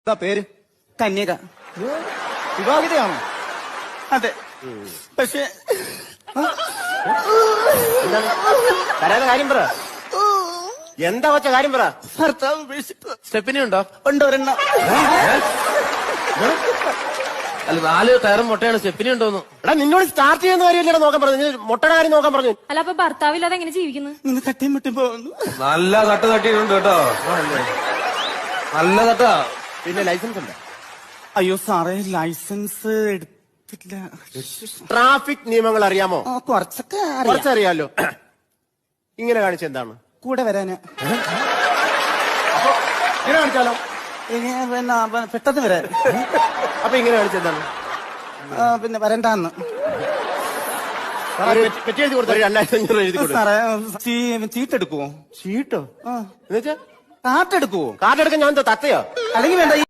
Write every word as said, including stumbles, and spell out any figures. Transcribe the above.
എന്താ പേര്? കന്യക. വിവാഹിതയാണോ? അതെ. പക്ഷെ തരാതെ കാര്യം പറ. എന്താ വച്ച കാര്യം പറ. ഭർത്താവ് ഉപേക്ഷിച്ചു. സ്റ്റെപ്പിനി ഉണ്ടോ? ഉണ്ട് ഒരെണ്ണം. അല്ല നാല് ടയറും മുട്ടയാണ്. സ്റ്റെപ്പിനി ഉണ്ടോന്ന്? എടാ നിന്നോട് സ്റ്റാർട്ട് ചെയ്യുന്ന കാര്യമല്ലേ നോക്കാൻ പറഞ്ഞു. മുട്ടയുടെ കാര്യം നോക്കാൻ പറഞ്ഞു. അല്ല അപ്പൊ ഭർത്താവില്ലാതെ എങ്ങനെ ജീവിക്കുന്നു? ഇന്ന് തട്ടിയും മുട്ടി പോകുന്നു. നല്ല തട്ട് തട്ടിയിട്ടുണ്ട് കേട്ടോ. നല്ല തട്ടാ. പിന്നെ ലൈസൻസ് ഉണ്ട്? അയ്യോ സാറേ, ലൈസൻസ് എടുത്തില്ല. ട്രാഫിക് നിയമങ്ങൾ അറിയാമോ? ആ, കുറച്ചൊക്കെ അറിയാം. കുറച്ചറിയാലോ. ഇങ്ങനെ കാണിച്ച എന്താണ്? കൂടെ വരാന്. ഇങ്ങനെ കാണിച്ചാലോ? ഇനി പിന്നെ പ- പെട്ടെന്ന് വരാൻ. അപ്പൊ ഇങ്ങനെ കാണിച്ച എന്താണ്? ആ, പിന്നെ വരണ്ടാന്ന്. പെറ്റി എഴുതി കൊടുത്തു. രണ്ടായിരത്തി അഞ്ഞൂറ് എഴുതി കൊടുത്തു. സാറേ, ചീ- ചീട്ടെടുക്കുവോ? ചീട്ടോ? ആ, എന്നുവെച്ചാ കാട്ടെടുക്കുവോ? കാർഡ് എടുക്കാൻ ഞാൻ എന്താ തത്തയോ? അല്ലെങ്കിൽ വേണ്ട.